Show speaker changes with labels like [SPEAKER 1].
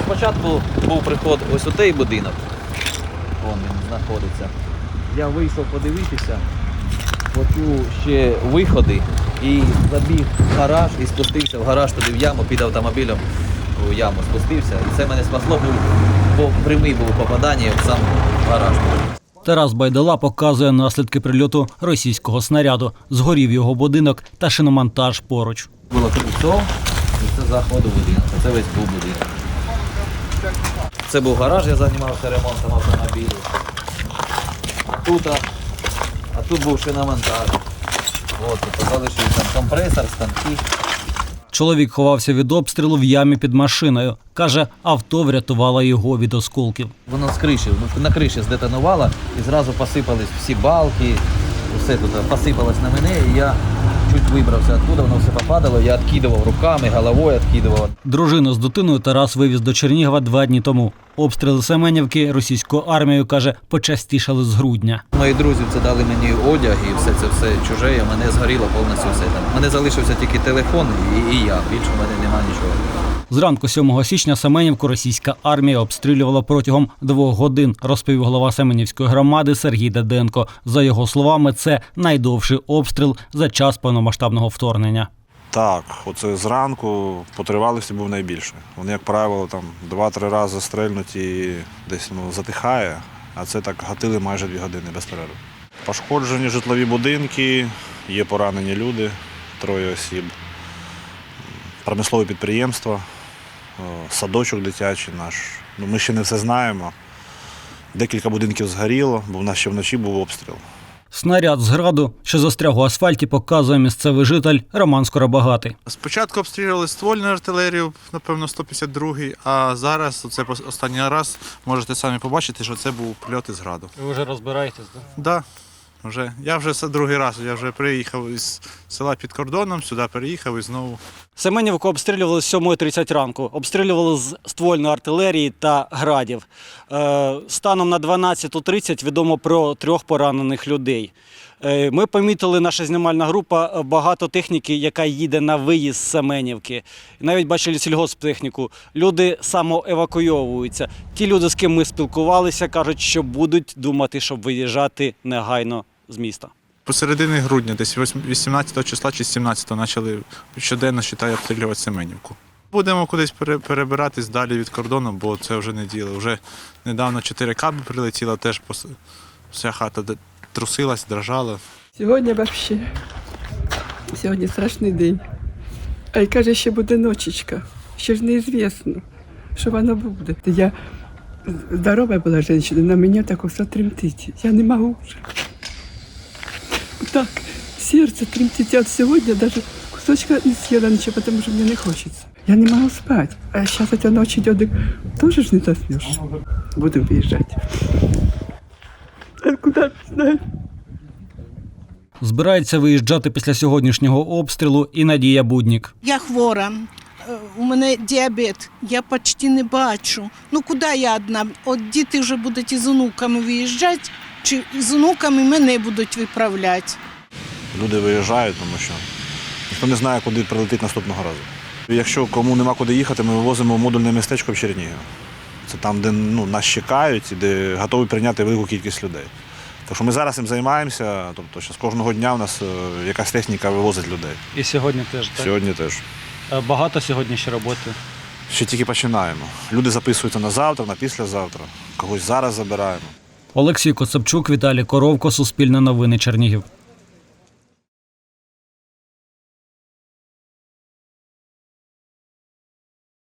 [SPEAKER 1] спочатку був приход ось у той будинок. Вон він знаходиться. Я вийшов подивитися, почув ще виходи і забіг в гараж і спустився в гараж туди в яму, під автомобілем у яму спустився. І це мене спасло, бо прямий був попадання в сам гараж.
[SPEAKER 2] Тарас Байдала показує наслідки прильоту російського снаряду. Згорів його будинок та шиномонтаж поруч.
[SPEAKER 1] Було тут все, і це заходу будинок, це весь був будинок. Це був гараж, я займався ремонтом автомобілів. А тут був шиномонтаж. От, тут залишився там компресор, станки.
[SPEAKER 2] Чоловік ховався від обстрілу в ямі під машиною. Каже, авто врятувало його від осколків.
[SPEAKER 1] Воно з криші, на криші здетонувало і зразу посипались всі балки, все тут посипалось на мене, і я чуть вибрався оттуда, воно все попадало, я відкидував руками, головою відкидував.
[SPEAKER 2] Дружину з дитиною Тарас вивіз до Чернігова 2 дні тому. Обстріли Семенівки російською армією, каже, почастішали з грудня.
[SPEAKER 1] Мої друзі це дали мені одяг і все чуже, і мене згоріло повністю все там. У мене залишився тільки телефон і я, більше в мене немає нічого.
[SPEAKER 2] Зранку 7 січня Семенівку російська армія обстрілювала протягом 2 годин, розповів голова Семенівської громади Сергій Деденко. За його словами, це найдовший обстріл за час повномасштабного вторгнення.
[SPEAKER 3] Так, оце зранку по тривалості був найбільший. Вони, як правило, там 2-3 рази стрельнуть і десь затихає, а це так гатили майже 2 години без перерви. Пошкоджені житлові будинки, є поранені люди, 3 осіб, промислове підприємство, садочок дитячий наш. Ми ще не все знаємо. Декілька будинків згоріло, бо в нас ще вночі був обстріл.
[SPEAKER 2] Снаряд з граду, що застряг у асфальті, показує місцевий житель Роман Скоробагатий.
[SPEAKER 4] Спочатку обстрілювали ствольну артилерію, напевно, 152-й, а зараз, це останній раз, можете самі побачити, що це був прильот із граду.
[SPEAKER 2] Ви вже розбираєтесь, так?
[SPEAKER 4] Так, вже. Я вже другий раз, я вже приїхав із села під кордоном, сюди переїхав і знову.
[SPEAKER 2] Семенівку обстрілювали з 7:30 ранку. Обстрілювали з ствольної артилерії та градів. Станом на 12:30 відомо про 3 поранених людей. Ми помітили, наша знімальна група, багато техніки, яка їде на виїзд з Семенівки. Навіть бачили сільгосптехніку. Люди самоевакуйовуються. Ті люди, з ким ми спілкувалися, кажуть, що будуть думати, щоб виїжджати негайно з міста.
[SPEAKER 4] Посередині грудня, десь 18 числа чи 17-го, почали щоденно, считай, обстрілювати Семенівку. Будемо кудись перебиратись далі від кордону, бо це вже не діло. Вже недавно 4 каби прилетіло, теж вся хата трусилась, дрожала.
[SPEAKER 5] Сьогодні взагалі, сьогодні страшний день. А й каже, ще буде ночечка, ще ж неізвісно, що воно буде. Я здорова була жінка, на мені так все тремтить. Я не можу вже. Так, серце тремтить. Я сьогодні навіть кусочка не з'їла нічого, тому що мені не хочеться. Я не можу спати. А зараз ця ніч йде, теж ж не заснеш. Будемо виїжджати. А куди не знаю.
[SPEAKER 2] Збирається виїжджати після сьогоднішнього обстрілу і Надія Буднік.
[SPEAKER 6] Я хвора, у мене діабет, я почти не бачу. Ну куди я одна? От діти вже будуть із онуками виїжджати, чи з онуками мене будуть виправляти.
[SPEAKER 3] Люди виїжджають, тому що ніхто не знає, куди прилетить наступного разу. Якщо кому нема куди їхати, ми вивозимо в модульне містечко в Чернігів. Це там, де нас чекають і де готові прийняти велику кількість людей. Так що ми зараз цим займаємося, тобто з кожного дня у нас якась техніка вивозить людей.
[SPEAKER 2] І сьогодні теж, так?
[SPEAKER 3] Сьогодні теж.
[SPEAKER 2] Багато сьогодні ще роботи?
[SPEAKER 3] Ще тільки починаємо. Люди записуються на завтра, на післязавтра. Когось зараз забираємо.
[SPEAKER 2] Олексій Коцепчук, Віталій Коровко, Суспільне новини, Чернігів.